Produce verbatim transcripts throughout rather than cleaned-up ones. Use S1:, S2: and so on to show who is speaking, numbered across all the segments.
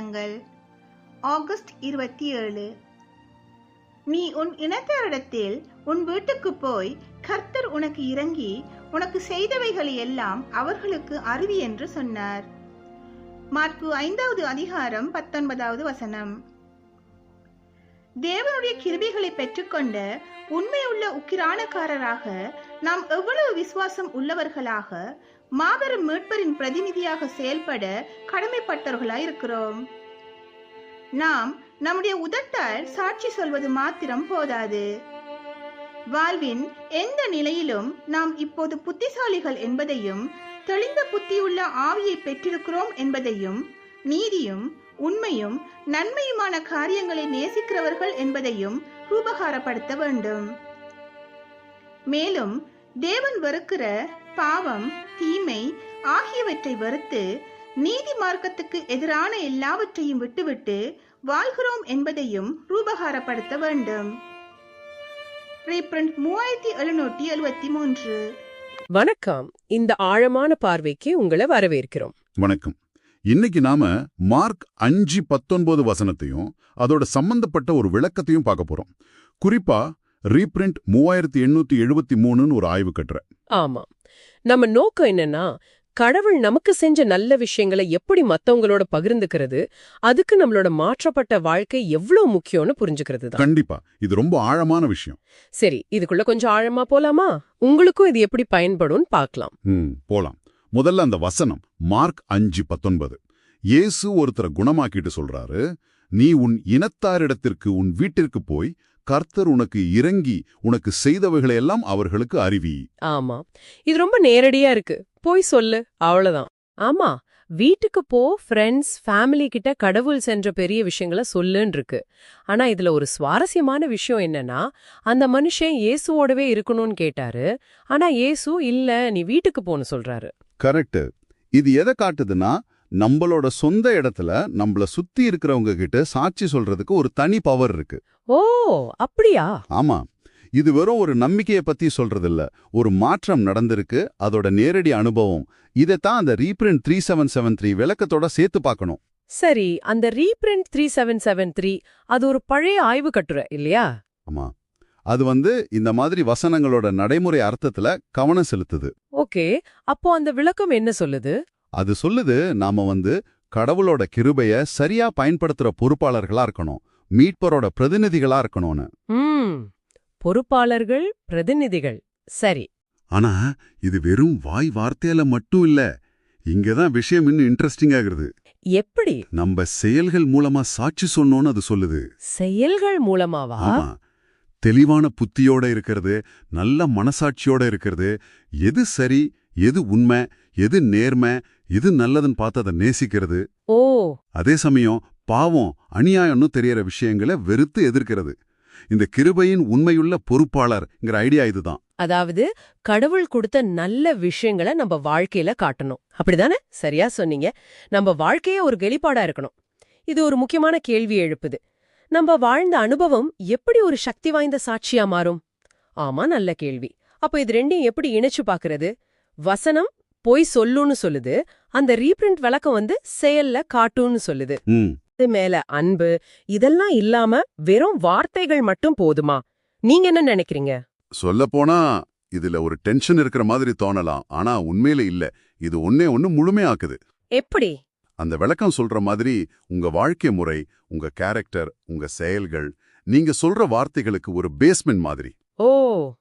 S1: வசனங்கள். ஆகஸ்ட் இருபத்தி ஏழு. நீ உன் இனத்தாரிடத்தில் உன் வீட்டுக்கு போய் கர்த்தர் உனக்கு இறங்கி உனக்கு செய்தவைகளை எல்லாம் அவர்களுக்கு அறிவி என்று சொன்னார். மாற்கு ஐந்தாவது அதிகாரம் பத்தொன்பதாவது வசனம். தேவனுடைய கிருபைகளை பெற்றுக்கொண்ட உண்மையுள்ள உக்கிரானக்காரராக நாம் எவ்வளவு விசுவாசம் உள்ளவர்களாக மாபெரும் மீட்பரின் பிரதிநிதியாக செயல்பட கடமைப்பட்டவர்களாயிருக்கிறோம். நாம் நம்முடைய உதட்டால் சாட்சி சொல்வது மாத்திரம் போதாது. வாழ்வின் எந்த நிலையிலும் நாம் இப்போது புத்திசாலிகள் என்பதையும் தெளிந்த புத்தியுள்ள ஆவியை பெற்றிருக்கிறோம் என்பதையும் நீதியும் உண்மையும் நன்மையுமான காரியங்களை நேசிக்கிறவர்கள் என்பதையும் ரூபகாரப்படுத்த வேண்டும். மேலும் தேவன் வெறுக்கிற பாவம், தீமை ஆகியவற்றை வெறுத்து நீதி மார்க்கத்துக்கு எதிரான எல்லாவற்றையும் விட்டுவிட்டு வாழ்கிறோம் என்பதையும் ரூபகாரப்படுத்த வேண்டும். மூவாயிரத்தி எழுநூற்றி எழுபத்தி மூன்று.
S2: வணக்கம். இந்த ஆழமான பார்வைக்கு உங்களை வரவேற்கிறோம்.
S3: வணக்கம். இன்னைக்கு நாம மார்க் அஞ்சு பத்தொன்பது வசனத்தையும் அதோட சம்பந்தப்பட்ட ஒரு விளக்கத்தையும் பார்க்க போறோம். குறிப்பா ரீப்ரிண்ட் மூவாயிரத்தி எண்ணூத்தி எழுபத்தி மூணுன்னு ஒரு ஆய்வு கட்டுற.
S2: ஆமா, நம்ம நோக்கம் என்னன்னா, கடவுள் நமக்கு செஞ்ச நல்ல விஷயங்களை எப்படி மத்தவங்களோட பகிர்ந்துக்கிறது, அதுக்கு நம்மளோட மாற்றப்பட்ட வாழ்க்கை எவ்வளவு முக்கியம்னு புரிஞ்சுக்கிறது தான்.
S3: கண்டிப்பா இது ரொம்ப ஆழமான விஷயம்.
S2: சரி, இதுக்குள்ள கொஞ்சம் ஆழமா போலாமா? உங்களுக்கும் இது எப்படி பயன்படும் பார்க்கலாம்.
S3: ம் போலாம். முதல்ல அந்த வசனம் மார்க் அஞ்சு பத்தொன்பது. இயேசு ஒருத்தரை குணமாக்கிட்டு சொல்றாரு, நீ உன் இனத்தாரிடத்திற்கு உன் வீட்டிற்கு போய் கர்த்தர் உனக்கு இறங்கி உனக்கு செய்தவைகளை எல்லாம் அவர்களுக்கு அறிவி.
S2: ஆமா, இது ரொம்ப நேரடியா இருக்கு. போய் சொல்லு, அவ்வளவுதான். ஆமா, வீட்டுக்கு போ, ஃப்ரெண்ட்ஸ் ஃபேமிலி கிட்ட கடவுள் சென்ற பெரிய விஷயங்களை சொல்லுன்னு இருக்கு. ஆனா இதுல ஒரு சுவாரஸ்யமான விஷயம் என்னன்னா, அந்த மனுஷன் இயேசுவோடவே இருக்கணும்னு கேட்டாரு. ஆனா இயேசு இல்ல, நீ வீட்டுக்கு போன்னு சொல்றாரு.
S3: கரெக்ட். இது எதை காட்டுதுன்னா, நம்மளோட சொந்த இடத்துல நம்மள சுத்தி இருக்கிறவங்க கிட்ட சாட்சி சொல்றதுக்கு ஒரு தனி பவர் இருக்கு.
S2: ஓ, அப்படியா?
S3: ஆமா, இது வெறும் ஒரு நம்பிக்கையை பத்தி சொல்றதில்ல, ஒரு மாற்றம் நடந்திருக்கு, அதோட நேரடி அனுபவம். இதைத்தான் அந்த reprint three seven seven three விளக்கத்தோட சேர்த்து பார்க்கணும்.
S2: சரி, அந்த reprint three seven seven three அது ஒரு பழைய ஆய்வு கட்டுரை இல்லையா?
S3: ஆமா, அது வந்து இந்த மாதிரி வசனங்களோட நடைமுறை அர்த்தத்துல கவனம் செலுத்துது.
S2: ஓகே, அப்போ அந்த விளக்கம் என்ன சொல்லுது?
S3: அது சொல்லுது, நாம வந்து கடவுளோட கிருபைய சரியா பயன்படுத்துற பொறுப்பாளர்களா இருக்கணும், மீட்பரோட பிரதிநிதிகளா இருக்கணும்னு.
S2: ம் பொறுப்பாளர்கள், பிரதிநிதிகள். சரி.
S3: ஆனா இது வெறும் வாய் வார்த்தையில மட்டும் இல்ல. இங்கதான் விஷயம் இன்னும் இன்ட்ரெஸ்டிங் ஆகுறது.
S2: எப்படி?
S3: நம்ம செயல்கள் மூலமா சாட்சி சொன்னோன்னு அது சொல்லுது.
S2: செயல்கள் மூலமாவா?
S3: ஆமா, தெளிவான புத்தியோட இருக்கிறது, நல்ல மனசாட்சியோட இருக்கிறது, எது சரி, எது உண்மை, எது நேர்மை, எது நல்லதுன்னு பார்த்து அதை நேசிக்கிறது.
S2: ஓ.
S3: அதே சமயம் பாவம், அநியாயம்னு தெரியற விஷயங்களை வெறுத்து எதிர்க்கிறது. இந்த கிருபையின் உண்மையுள்ள பொறுப்பாளர்ங்கிற ஐடியா இதுதான்.
S2: அதாவது கடவுள் கொடுத்த நல்ல விஷயங்களை நம்ம வாழ்க்கையில காட்டணும், அப்படிதானே? சரியா சொன்னீங்க. நம்ம வாழ்க்கையே ஒரு வெளிப்பாடா இருக்கணும். இது ஒரு முக்கியமான கேள்வி எழுப்புது. நம்ம வாழ்ந்த அனுபவம் எப்படி ஒரு சக்தி வாய்ந்த சாட்சியா மாறும்? ஆமா, நல்ல கேள்வி. அப்ப இது ரெண்டையும் எப்படி இணைச்சு பாக்குறது? வசனம் போய் சொல்லுன்னு சொல்லுது, அந்த ரீப்ரிண்ட் விளக்கம் வந்து செயல்ல காட்டுன்னு சொல்லுது. இது மேல அன்பு இதெல்லாம் இல்லாம வெறும் வார்த்தைகள் மட்டும் போதுமா? நீங்க என்ன நினைக்கிறீங்க?
S3: சொல்ல போனா இதுல ஒரு டென்ஷன் இருக்கிற மாதிரி தோணலாம், ஆனா உண்மையில இல்ல. இது ஒன்னே ஒன்னு முழுமையாக்குது.
S2: எப்படி?
S3: அந்த விளக்கம் சொல்ற மாதிரி உங்க வாழ்க்கை முறை, உங்க கேரக்டர், உங்க செயல்கள், நீங்க சொல்ற வார்த்தைகளுக்கு ஒரு பேஸ்மெண்ட் மாதிரி.
S2: ஓ,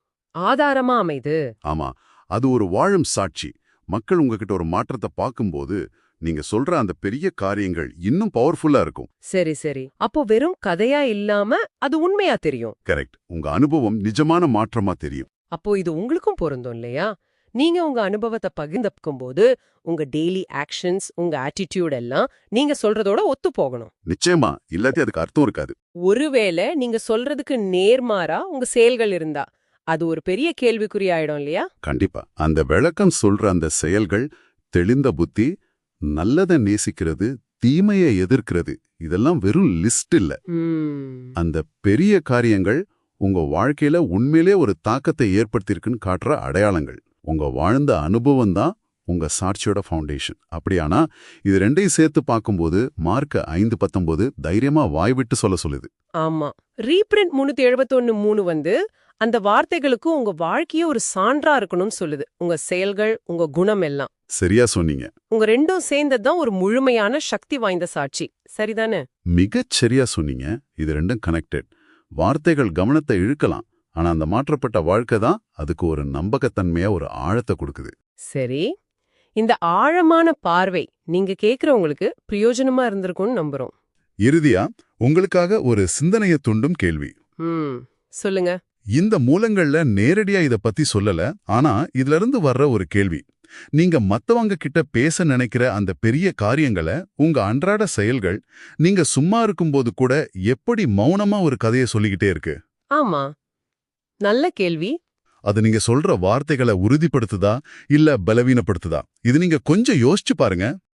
S2: ஆதாரமா அமைது.
S3: ஆமா, அது ஒரு வாழும் சாட்சி. மக்கள் உங்ககிட்ட ஒரு மாற்றத்தை பார்க்கும்போது நீங்க சொல்ற அந்த பெரிய காரியங்கள் இன்னும் பவர்ஃபுல்லா இருக்கும்.
S2: சரி சரி, அப்போ வெறும் கதையா இல்லாம அது உண்மையா தெரியும்.
S3: கரெக்ட். உங்க அனுபவம் நிஜமான மாற்றமா தெரியும்.
S2: அப்போ இது உங்களுக்கும் பொருந்தும் இல்லையா? நீங்க உங்க அனுபவத்தை பகிர்ந்துக்கும் போது உங்க டெய்லி ஆக்ஷன்ஸ், உங்க ஆட்டிடியூட் எல்லாம் நீங்க சொல்றதோட ஒத்து போகணும்.
S3: நிச்சயமா, இல்லாட்டி அதுக்கு அர்த்தம் இருக்காது.
S2: ஒருவேளை நீங்க சொல்றதுக்கு நேர்மாறா உங்க செயல்கள் இருந்தா அது ஒரு பெரிய கேள்விக்குறி ஆயிடும் இல்லையா?
S3: கண்டிப்பா. அந்த விளக்கம் சொல்ற அந்த செயல்கள், தெளிந்த புத்தி, நல்லதை நேசிக்கிறது, தீமையை எதிர்க்கிறது, இதெல்லாம் வெறும் லிஸ்ட் இல்ல. அந்த பெரிய காரியங்கள் உங்க வாழ்க்கையில உண்மையிலே ஒரு தாக்கத்தை ஏற்படுத்தியிருக்குன்னு காட்டுற அடையாளங்கள். உங்க வாழ்ந்த அனுபவம் தான் உங்க சாட்சியோட ஃபவுண்டேஷன். அப்படியானா இது ரெண்டையும் சேர்த்து பார்க்கும்போது மார்க் ஐந்து பத்தொன்பது தைரியமா வாய் விட்டு சொல்ல சொல்லுது.
S2: ஆமா, ரீப்ரிண்ட் முன்னூத்தி எழுபத்தொன்னு மூணு வந்து அந்த வார்த்தைகளுக்கு உங்க வாழ்க்கையே ஒரு சான்றா இருக்கணும்னு சொல்லுது. உங்க செயல்கள், உங்க குணம் எல்லாம்.
S3: சரியா சொன்னீங்க.
S2: உங்க ரெண்டும் சேர்ந்ததுதான் ஒரு முழுமையான சக்தி வாய்ந்த சாட்சி. சரிதானே?
S3: மிகச் சரியா சொன்னீங்க. இது ரெண்டும் கனெக்டட். வார்த்தைகள் கவனத்தை இழுக்கலாம், ஆனா அந்த மாற்றப்பட்ட வாழ்க்கை தான் அதுக்கு ஒரு நம்பகத்தன்மையா ஒரு ஆழத்தை கொடுக்குது.
S2: சரி, இந்த ஆழமான பார்வை நீங்க கேக்குறவங்களுக்கு பிரயோஜனமா இருந்திருக்கும்னு நம்புறோம்.
S3: இறுதியா உங்களுக்காக ஒரு சிந்தனைய தூண்டும் கேள்வி.
S2: ம் சொல்லுங்க.
S3: இந்த மூலங்கள்ல நேரடியா இத பத்தி சொல்லல, ஆனா இதுல இருந்து வர்ற ஒரு கேள்வி. நீங்க மத்தவங்க கிட்ட பேச நினைக்கிற அந்த பெரிய காரியங்களை, உங்க அன்றாட செயல்கள், நீங்க சும்மா இருக்கும்போது கூட எப்படி மௌனமா ஒரு கதையை சொல்லிக்கிட்டே இருக்கு?
S2: ஆமா, நல்ல கேள்வி.
S3: அது நீங்க சொல்ற வார்த்தைகளை உறுதிப்படுத்துதா இல்ல பலவீனப்படுத்துதா? இது நீங்க கொஞ்சம் யோசிச்சு பாருங்க.